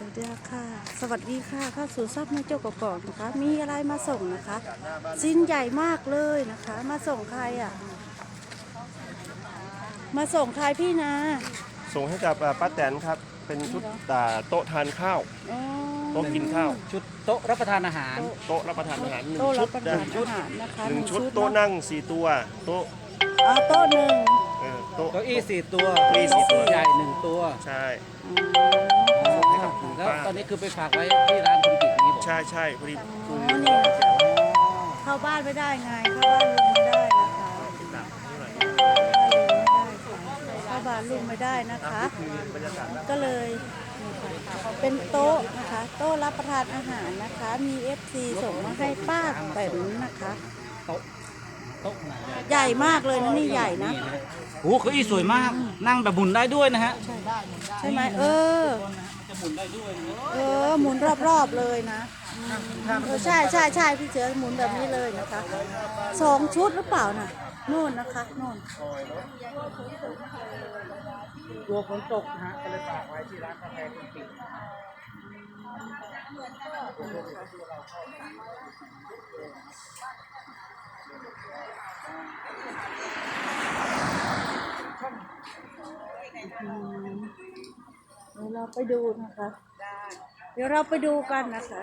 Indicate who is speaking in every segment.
Speaker 1: วัสดีค่ะสวัสดีค่ะเข้าสู่ซับแม่โจ้กอกๆนะคะมีอะไรมาส่งนะคะชิ้นใหญ่มากเลยนะคะมาส่งใครอ่ะมาส่งใครพี่นะ
Speaker 2: ส่งให้กับป้าแตนครับเป็นชุดโต๊ะทานข้าว
Speaker 1: อ๋อ
Speaker 2: โต๊ะกินข้าว
Speaker 3: ชุดโต๊ะรับประทานอาหาร
Speaker 2: โต๊ะรับประทานอาหารหนึ่ง
Speaker 1: โต๊ะรั
Speaker 2: ชุ
Speaker 1: บ
Speaker 2: ด
Speaker 1: ประ
Speaker 2: นะ
Speaker 1: ทานอาหารนะคะ
Speaker 2: หนึ่งชุด
Speaker 1: เนาะ
Speaker 2: โต๊ะนั่ง4ตัวโต๊ะ
Speaker 1: โต๊ะหนึ่ง
Speaker 2: โต๊ะ
Speaker 3: เก้าอี้4 ตัว
Speaker 2: เก้าอี้4 ตัว
Speaker 3: ใหญ่1 ตัว
Speaker 2: ใช่
Speaker 1: อ๋อ
Speaker 3: แล้วตอนนี้คือไปฝากไว้ที่ร้านคุณกิจอย่างนี้บอก
Speaker 2: ใช่พอดีคุย
Speaker 1: นี่เข้าบ้านไม่ได้ไงเข้าบ้านลุงไม่ได้นะคะเข้าบ้านลุงไม่ได้นะคะ ก็เลยเป็นโต๊ะนะคะโต๊ะรับประทานอาหารนะคะมี FC ส่งมาให้ป้าแตนนะคะ
Speaker 3: โต๊ะขนาดใหญ่
Speaker 1: ใหญ่มากเลยนะนี่ใหญ่นะ
Speaker 3: โอ้เก้าอี้สวยมากนั่งแบบหมุนได้ด้วยนะฮะ
Speaker 1: ใช่ไหม
Speaker 3: มันจะหมุนได้ด้วยนะ
Speaker 1: หมุนรอบๆเลยนะใช่พี่เสือหมุนแบบนี้เลยนะคะ2 ชุดหรือเปล่าน่ะนู่นนะคะนู่น
Speaker 3: ตัวฝนตกนะฮะก็เลยฝากไว้ที่ร้านกาแฟคุณกิจ
Speaker 1: เดี๋ยวเราไปดูนะคะเดี๋ยวเราไปดูกันนะคะ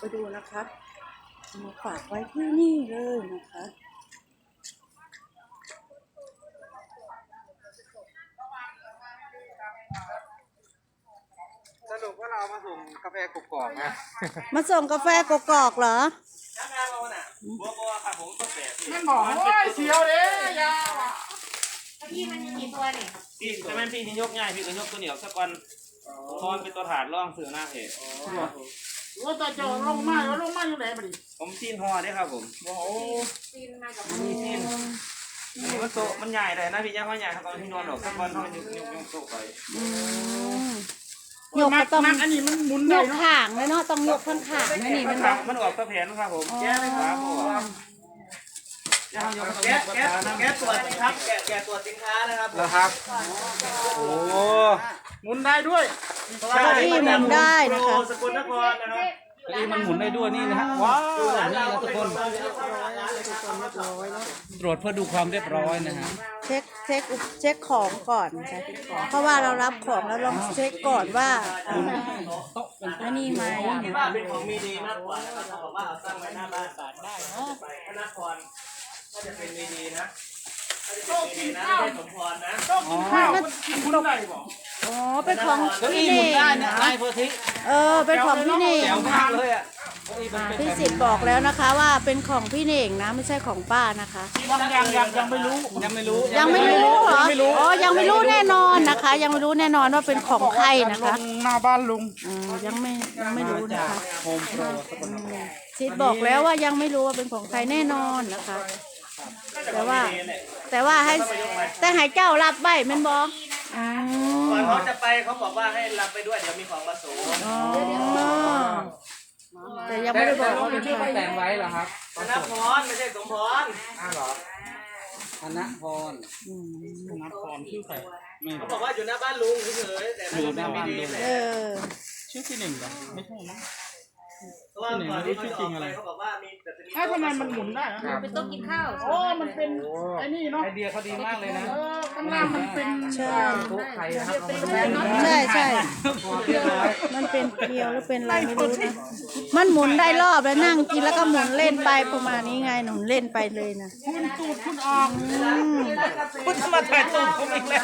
Speaker 1: มาฝากไว้ที่นี่เลยนะคะ
Speaker 3: สรุปว่าเรามาส่งกาแฟกรอบๆนะ
Speaker 1: มาส่งกาแฟกอกๆเหรอ
Speaker 3: มันบอกว่าเสียวเลยยาวอ่ะ
Speaker 4: พี่มันมีกี่ตัวเนี่ย
Speaker 5: พี่แต่แม่นพี่นี่ยกง่ายพี่ก็ยกตัวเหนียวสักวันตอนเป็นตัวถาดร่องสื่อหน้าเพจ
Speaker 3: ว่าตาจอลงมาอยู่ไหนมาดิ
Speaker 5: ผมซีนห่อได้ครับผม
Speaker 3: โอ้
Speaker 4: ซีนมากับ
Speaker 5: มีซีนอันนี้มันโตมันใหญ่เลยนะพี่ย่าเขาใหญ่ครับตอนที่นอนหรอกสักวันเขายกโตไป
Speaker 1: ยกก็ต้อง
Speaker 3: อันนี้มันหมุน
Speaker 1: ย
Speaker 3: ได้
Speaker 1: ก
Speaker 3: เนาะ
Speaker 1: ข่างเลยเนาะต้องยกข้างข่างนะนี่มันบอก
Speaker 5: มันออกตะแผนครับผมแก้เลยครับแกะตัวสิครับแกะตัวสินค้านะครับ
Speaker 3: แล้วครับโอ้หมุนได้ด้วย
Speaker 1: เก้าอี้หมุนได้นะคะ
Speaker 5: สกุลนครนะครับ
Speaker 3: เก้าอี้มันหมุนได้ด้วยนี่นะฮะว้าวนี่นะทุกคนตรวจเพื่อดูความเรียบร้อยนะฮะ
Speaker 1: เช็คของก่อนนะคะเพราะว่าเรารับของแล้วลองเช็คก่อนว่าอันนี้ไหม
Speaker 5: ที่บ้านเป็นของมีดีมากกว่านะครับเขาบอกว่าเอาตั้งไว้หน้าบ้านได้เนาะไปนครก็จะเป็นมีดีนะก็จะเป็นมีดีนะไม่ใช่สมพรนะ
Speaker 1: อ๋อเป็นของ
Speaker 3: เก้า
Speaker 1: พี่
Speaker 3: อี้ห
Speaker 1: เน่
Speaker 3: มุน
Speaker 1: ง
Speaker 3: ได้นะนายโพธิ
Speaker 1: เป็นของพี่เน่ง
Speaker 3: แจ๋วมากเลยอ่ะ
Speaker 1: พี่สิทธิ์บอกแล้วนะคะว่าเป็นของพี่เน่งนะไม่ใช่ของป้านะคะ
Speaker 3: ยังไม่รู้
Speaker 1: ยังไม่รู้เหรออ๋อยังไม่รู้แน่นอนนะคะ ยังไม่รู้แน่นอนว่าเป็นของใครนะคะ
Speaker 3: หน้าบ้านลุง
Speaker 1: ยังไม่รู้นะคะ
Speaker 3: โฮมโปร
Speaker 1: สิทธิ์บอกแล้วว่ายังไม่รู้ว่าเป็นของใครแน่นอนนะคะ แต่ว่าให้เจ้ารับใบแม่นบอก
Speaker 5: ก่อนเขาจะไปเขาบอกว่าให้รับไปด้วยเดี๋ยวมีของมาส่ง
Speaker 1: แต่ยังไม่ได้บอกว่าเป็น
Speaker 3: ชื่อ
Speaker 1: ใคร
Speaker 3: แต่งไว้เหรอครับ
Speaker 5: ธนพรไม่ใช่สมพร
Speaker 3: อ้าวเหรอธนพรชื่อใครไม่
Speaker 5: เขาบอกว่าอยู่หน้าบ้านลุงเฉยๆแต่ไม่ได้มีดีแหละ
Speaker 3: ชื่อที่หนึ่งเหรอไม่ใช่นะ
Speaker 5: เพราะว่าก่อนที่เขาจะออกไปเขาบอกว่ามีแต่จะมี
Speaker 3: ทำไมมันหมุนได้
Speaker 4: เป็นโต๊ะกินข้าว
Speaker 3: โอ้มันเป็นไอ้นี่เนาะไอเดียเขาดีมากเลยนะข้างล่างมันเป็น
Speaker 1: ใช่
Speaker 3: โต๊ะไข่นะครับ
Speaker 1: ใช่มันเป็นเกลียวหรือเป็นอะไรไม่รู้นะมันหมุนได้รอบแล้วนั่งกินแล้วก็หมุนเล่นไปประมาณนี้ไงหนุนเล่นไปเลยนะ
Speaker 3: คุณตูดคุณออกคุณมาถ่ายตูดผมอีกแล้ว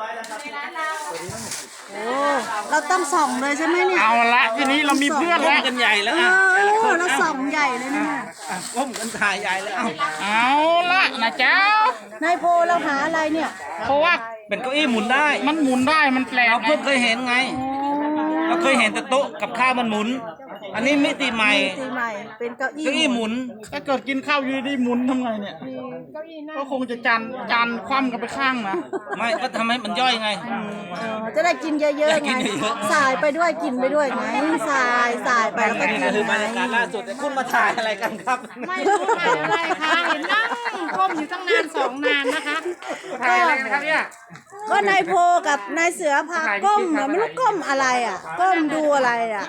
Speaker 1: โอ้เราต้องส่องเลยใช่ไหมเนี่ย
Speaker 3: เอาละทีนี้เรามีเพื่อนแล้วกันใหญ่แล้วอ่ะ
Speaker 1: เราส่องใหญ่เลยเนี่ย
Speaker 3: ผมกันถ่ายใหญ่แล้วเอาละนะเจ้าน
Speaker 1: ายโพเราหาอะไรเนี่ย
Speaker 3: เพราะว่าเป็นเก้าอี้หมุนได้ มันหมุนได้มันแปลกเราเพิ่งเคยเห็นไง เราเคยเห็นแต่โต๊ะกับข้าวมันหมุน อันนี้มิติใหม่
Speaker 1: ตีใหม่เป็นเก้าอี้
Speaker 3: เก้าอี้หมุนถ้าเกิดกินข้าวอยู่ดีหมุนทำไงเนี่ยก็คงจะจานคว่ำกันไปข้างนะไม่ก็ทำให้มันย่อยไง
Speaker 1: จะได้กินเยอะๆไงสายไปด้วยกินไปด้วยไงสายไปแล้วก็กิน
Speaker 3: คือบรรยากาศล่าสุดคุณมาถ่ายอะไรกันครับ
Speaker 4: ไม่รู้ถ่ายอะไรคะเห็นนั่งก้มอยู่ตั้งนาน2 นานนะคะ
Speaker 3: ถ่ายอะไรกันครับเนี่ย
Speaker 1: ก็นายโพกับนายเสือพาก้มอะไม่รู้ก้มอะไรอ่ะ ก้มดูอะไรอ่ะ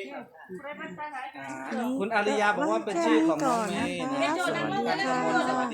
Speaker 3: คุณอาริยาบอกว่าเป็นชื่อของน้องเมย์
Speaker 1: แค่นี้ก่อนนะคะ
Speaker 3: นะ
Speaker 1: สวัสดีค่ะ